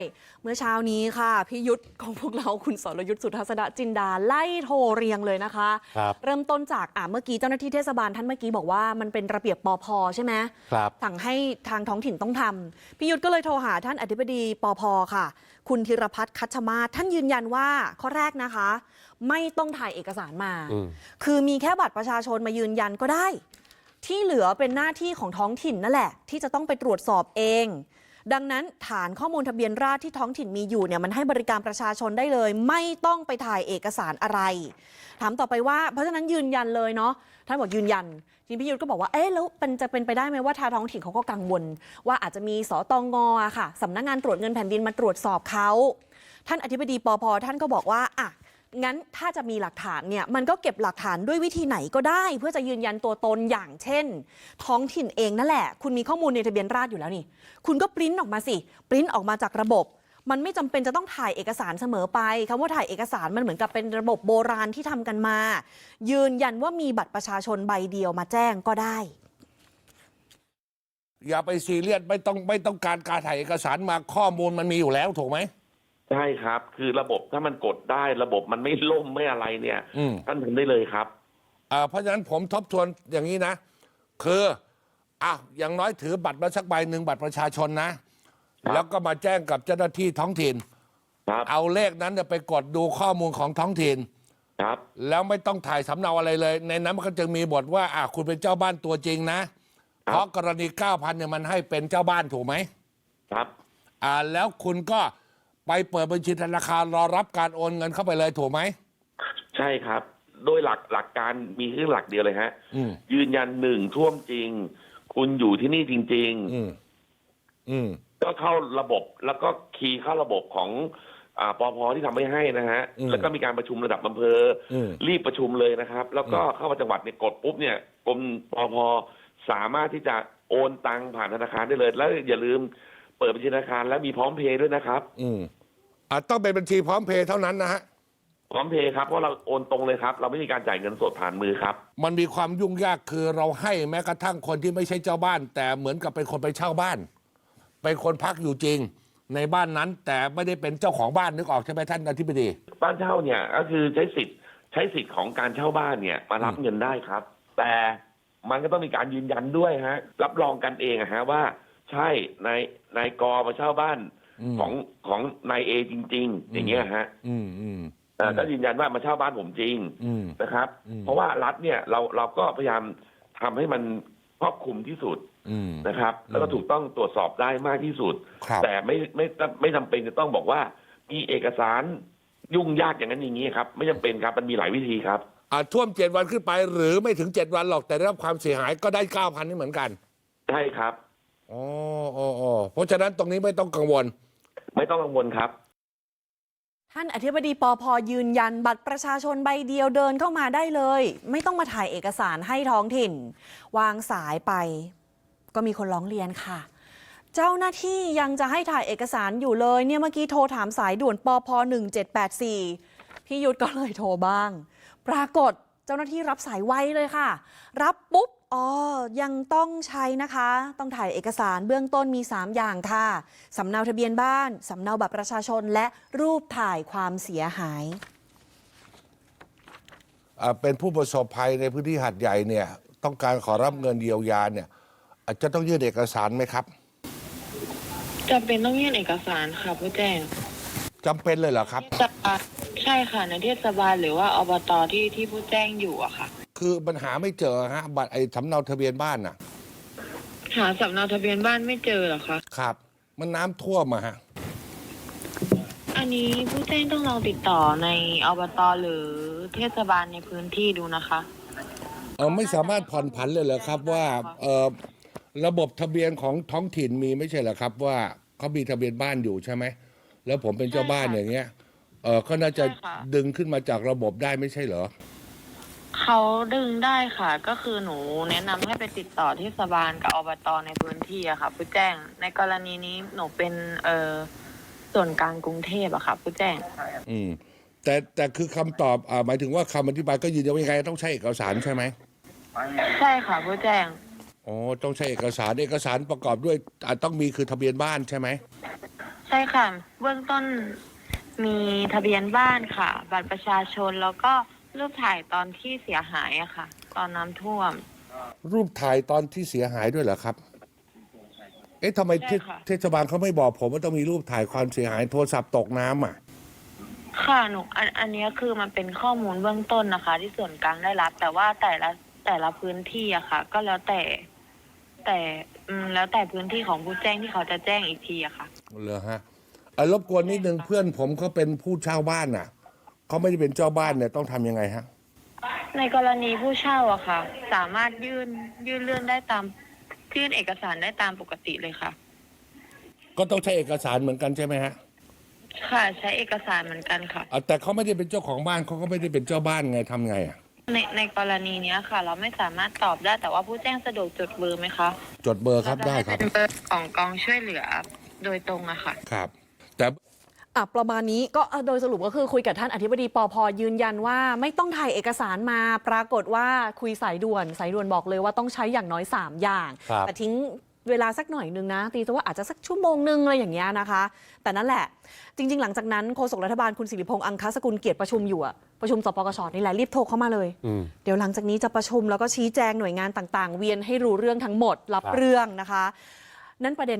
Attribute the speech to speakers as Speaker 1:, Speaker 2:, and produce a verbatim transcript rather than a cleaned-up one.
Speaker 1: เมื่อเช้านี้ค่ะพี่ยุทธของพวกเราคุณสรยุทธสุทัศนจินดาไล่โทรเรียงเลยนะคะเริ่มต้นจากอ่าเมื่อกี้เจ้าหน้าที่เทศบาลท่านเมื่อกี้บอกว่ามันเป็นระเบียบปภใช่ไหมครับสั่งให้ทางท้องถิ่นต้องทำพี่ยุทธก็เลยโทรหาท่านอธิบดีปภค่ะคุณธีรพัฒน์คัชมาศท่านยืนยันว่าข้อแรกนะคะไม่ต้องถ่ายเอกสารมาคือมีแค่บัตรประชาชนมายืนยันก็ได้ที่เหลือเป็นหน้าที่ของท้องถิ่นนั่นแหละที่จะต้องไปตรวจสอบเองดังนั้นฐานข้อมูลทะเบียนราษฎร์ที่ท้องถิ่นมีอยู่เนี่ยมันให้บริการประชาชนได้เลยไม่ต้องไปถ่ายเอกสารอะไรถามต่อไปว่าเพราะฉะนั้นยืนยันเลยเนาะท่านบอกยืนยันทีพี่ยุทธก็บอกว่าเอ๊ะแล้วเป็นจะเป็นไปได้ไหมว่าทางท้องถิ่นเขาก็กังวลว่าอาจจะมีสตงอะค่ะสำนักงานตรวจเงินแผ่นดินมาตรวจสอบเขาท่านอธิบดีปภท่านก็บอกว่าอ่ะงั้นถ้าจะมีหลักฐานเนี่ยมันก็เก็บหลักฐานด้วยวิธีไหนก็ได้เพื่อจะยืนยันตัวตนอย่างเช่นท้องถิ่นเองนั่นแหละคุณมีข้อมูลในทะเบียนราษฎร์อยู่แล้วนี่คุณก็ปริ้นออกมาสิปริ้นออกมาจากระบบมันไม่จำเป็นจะต้องถ่ายเอกสารเสมอไปคำว่าถ่ายเอกสารมันเหมือนกับเป็นระบบโบราณที่ทำกันมายืนยันว่ามีบัตรประชาชนใบเดียวมาแจ้งก็ได้
Speaker 2: อย่าไปซีเรียสไม่ต้องไม่ต้องการการถ่ายเอกสารมาข้อมูลมันมีอยู่แล้วถูกไหม
Speaker 3: ใช่ครับคือระบบถ้ามันกดได้ระบบมันไม่ล่มไม่อะไรเนี่ยท่านทำได้เลยครับ
Speaker 2: อ่าเพราะฉะนั้นผมทบทวนอย่างนี้นะคืออ่ะอย่างน้อยถือบัตรมาสักใบหนึ่งบัตรประชาชนนะแล้วก็มาแจ้งกับเจ้าหน้าที่ท้องถิ่นเอาเลขนั้นไปกดดูข้อมูลของท้องถิ่น
Speaker 3: ครับ
Speaker 2: แล้วไม่ต้องถ่ายสำเนาอะไรเลยในนั้นมันก็จะมีบทว่าอ่ะคุณเป็นเจ้าบ้านตัวจริงนะเพราะกรณี เก้าพัน เนี่ยมันให้เป็นเจ้าบ้านถูกไหม
Speaker 3: ครับ
Speaker 2: อ่าแล้วคุณก็ไปเปิดบัญชีธนาคารรอรับการโอนเงินเข้าไปเลยถูกไหม
Speaker 3: ใช่ครับโดยหลักหลักการมีแค่หลักเดียวเลยฮะยืนยันหนึ่งท่วมจริงคุณอยู่ที่นี่จริงๆอืมอืมก็เข้าระบบแล้วก็คีย์เข้าระบบของอ่าปภที่ทำไม่ให้นะฮะแล้วก็มีการประชุมระดับอำเภอรีบประชุมเลยนะครับแล้วก็เข้ามาจังหวัดเนี่ยกดปุ๊บเนี่ยกรมปภสามารถที่จะโอนตังผ่านธนาคารได้เลยแล้วอย่าลืมเปิดบัญชีธนาคารและมีพร้อมเพย์ด้วยนะครับ
Speaker 2: อืมอ่าต้องเป็นบัญชีพร้อมเพย์เท่านั้นนะฮะ
Speaker 3: พร้อมเพย์ครับเพราะเราโอนตรงเลยครับเราไม่มีการจ่ายเงินสดผ่านมือครับ
Speaker 2: มันมีความยุ่งยากคือเราให้แม้กระทั่งคนที่ไม่ใช่เจ้าบ้านแต่เหมือนกับเป็นคนไปเช่าบ้านเป็นคนพักอยู่จริงในบ้านนั้นแต่ไม่ได้เป็นเจ้าของบ้านนึกออกใช่ไหมท่านอธิบดี
Speaker 3: บ้านเช่าเนี่ยก็คือใช้สิทธิ์ใช้สิทธิ์ของการเช่าบ้านเนี่ยมารับเงินได้ครับแต่มันก็ต้องมีการยืนยันด้วยฮะรับรองกันเองอะฮะว่าใช่นายนายกมาเช่าบ้านของของนายเอจริงๆอย่างเงี้ยฮะอืมอืมก็ยืนยันว่ามาเช่าบ้านผมจริงนะครับเพราะว่ารัฐเนี่ยเราเราก็พยายามทำให้มันครอบคลุมที่สุดนะครับแล้วก็ถูกต้องตรวจสอบได้มากที่สุดแต่ไม่ไม่ไม่จำเป็นจะต้องบอกว่ามีเอกสารยุ่งยากอย่างนั้นอย่างนี้ครับไม่จำเป็นครับมันมีหลายวิธีครับ
Speaker 2: อ่าท่วมเจ็ดวันขึ้นไปหรือไม่ถึงเจ็ดวันหรอกแต่ได้รับความเสียหายก็ได้เก้าพันนี่เหมือนกัน
Speaker 3: ใช่ครับ
Speaker 2: อ๋ออ๋อเพราะฉะนั้นตรงนี้ไม่ต้องกังวล
Speaker 3: ไม่ต้องกังวลครับ
Speaker 1: ท่านอธิบดีปภยืนยันบัตรประชาชนใบเดียวเดินเข้ามาได้เลยไม่ต้องมาถ่ายเอกสารให้ท้องถิ่นวางสายไปก็มีคนร้องเรียนค่ะเจ้าหน้าที่ยังจะให้ถ่ายเอกสารอยู่เลยเนี่ยเมื่อกี้โทรถามสายด่วนปภหนึ่งเจ็ดแปดสี่พี่ยุทธก็เลยโทรบ้างปรากฏเจ้าหน้าที่รับสายไวเลยค่ะรับปุ๊บอ๋อยังต้องใช้นะคะต้องถ่ายเอกสารเบื้องต้นมีสามอย่างค่ะสำเนาทะเบียนบ้านสำเนาบัตรประชาชนและรูปถ่ายความเสียหาย
Speaker 2: เป็นผู้ประสบภัยในพื้นที่หาดใหญ่เนี่ยต้องการขอรับเงินเยียวยาเนี่ยอาจจะต้องยื่นเอกสารไหมครับ
Speaker 4: จำเป็นต้องยื่นเอกสารค่ะผู้แจ้ง
Speaker 2: จำเป็นเลยเหรอครับ
Speaker 4: ใช่ค่ะในเทศบาลหรือว่าอบตที่ที่ผู้แจ้งอยู่อะค่ะ
Speaker 2: คือปัญหาไม่เจอฮะบัตรไอ้สำเนาทะเบียนบ้านน่ะ
Speaker 4: หาสำเนาทะเบียนบ้านไม่เจอเหรอคะ
Speaker 2: ครับมันน้ำท่วมอะฮะ
Speaker 4: อันนี้ผู้แจ้งต้องลองติดต่อในอบตหรือเทศบาลในพื้นที่ดูนะคะ
Speaker 2: เออไม่สามารถผ่อนผันเลยเหรอครับว่าเออระบบทะเบียนของท้องถิ่นมีไม่ใช่เหรอครับว่าเขามีทะเบียนบ้านอยู่ใช่ไหมแล้วผมเป็นเจ้าบ้านอย่างเงี้ยเออก็น่าจะดึงขึ้นมาจากระบบได้ไม่ใช่เหรอ
Speaker 4: เขาดึงได้ค่ะก็คือหนูแนะนำให้ไปติดต่อเทศบาลกับอบตในพื้นที่อะค่ะผู้แจ้งในกรณีนี้หนูเป็นเอ่อส่วนกลางกรุงเทพอะค่ะผู้แจ้ง
Speaker 2: อืมแต่แต่คือคำตอบอ่าหมายถึงว่าคำอธิบายก็ยืนยันว่ายังไงต้องใช้เอกสารใช่ไหม
Speaker 4: ใช่ค่ะผู้แจ้ง
Speaker 2: อ๋อต้องใช้เอกสารเอกสารประกอบด้วยอ่าต้องมีคือทะเบียนบ้านใช่ไหม
Speaker 4: ใช่ค่ะเบื้องต้นมีทะเบียนบ้านค่ะ บัตรประชาชนแล้วก็รูปถ่ายตอนที่เสียหายอะค่ะ ตอนน้ำท่วม
Speaker 2: รูปถ่ายตอนที่เสียหายด้วยเหรอครับ เอ๊ะทำไม
Speaker 4: ใช่ค่ะ
Speaker 2: เทศบาลเขาไม่บอกผมว่าต้องมีรูปถ่ายความเสียหายโทรศัพท์ตกน้ำอ่ะ
Speaker 4: ค่ะหนูอันอันเนี้ยคือมันเป็นข้อมูลเบื้องต้นนะคะ ที่ส่วนกลางได้รับ แต่ว่าแต่ละแต่ละพื้นที่อะค่ะ ก็แล้วแต่ แต่อืมแล้วแต่พื้นที่ของผู้แจ้งที่เขาจะแจ้งอีกทีอะค่ะ
Speaker 2: เหรอฮะเอ่อรบกวนนิดนึงเพื่อนผมเขาเป็นผู้เช่าบ้านน่ะเขาไม่ได้เป็นเจ้าบ้านเนี่ยต้องทำยังไงฮะ
Speaker 4: ในกรณีผู้เช่าอะค่ะ สามารถยื่นยื่นเรื่องได้ตามยื่นเอกสารได้ตามปกติเลยค่ะ
Speaker 2: ก็ต้องใช้เอกสารเหมือนกันใช่ไหมฮะ
Speaker 4: ค่ะใช้เอกสารเหมือนกันค่ะ
Speaker 2: อ่ะแต่เขาไม่ได้เป็นเจ้าของบ้านเขาก็ไม่ได้เป็นเจ้าบ้านไงทำไงอ่ะ
Speaker 4: ในในกรณีเนี้ยค่ะ เราไม่สามารถตอบได้แต่ว่าผู้แจ้งสะดวกจดเบอร์ไหมคะ
Speaker 2: จดเบอร์ครับได้ครับ
Speaker 4: เป็นเบอร์ของกองช่วยเหลือโดยตรงอะค่ะ
Speaker 2: ครับ แต่
Speaker 1: อ่ะประมาณนี้ก็โดยสรุปก็คือคุยกับท่านอธิบดีปภยืนยันว่าไม่ต้องถ่ายเอกสารมาปรากฏว่าคุยสายด่วนสายด่วนบอกเลยว่าต้องใช้อย่างน้อยสามอย่าง
Speaker 2: ครับ
Speaker 1: แต่ทิ้งเวลาสักหน่อยนึงนะตีซะว่าอาจจะสักชั่วโมงนึงอะไรอย่างเงี้ยนะคะ แต่นั่นแหละจริง ๆ หลังจากนั้นโฆษกรัฐบาลคุณสิริพงษ์อังคสกุลเกียรติประชุมอยู่อะประชุมสปกชนี่แหละรีบโทรเข้ามาเลย
Speaker 2: อืม
Speaker 1: เดี๋ยวหลังจากนี้จะประชุมแล้วก็ชี้แจงหน่วยงานต่างๆ เวียนให้รู้เรื่องทั้งหมดรับ
Speaker 2: ครับ
Speaker 1: เรื่องนะคะ นั่นประเด็น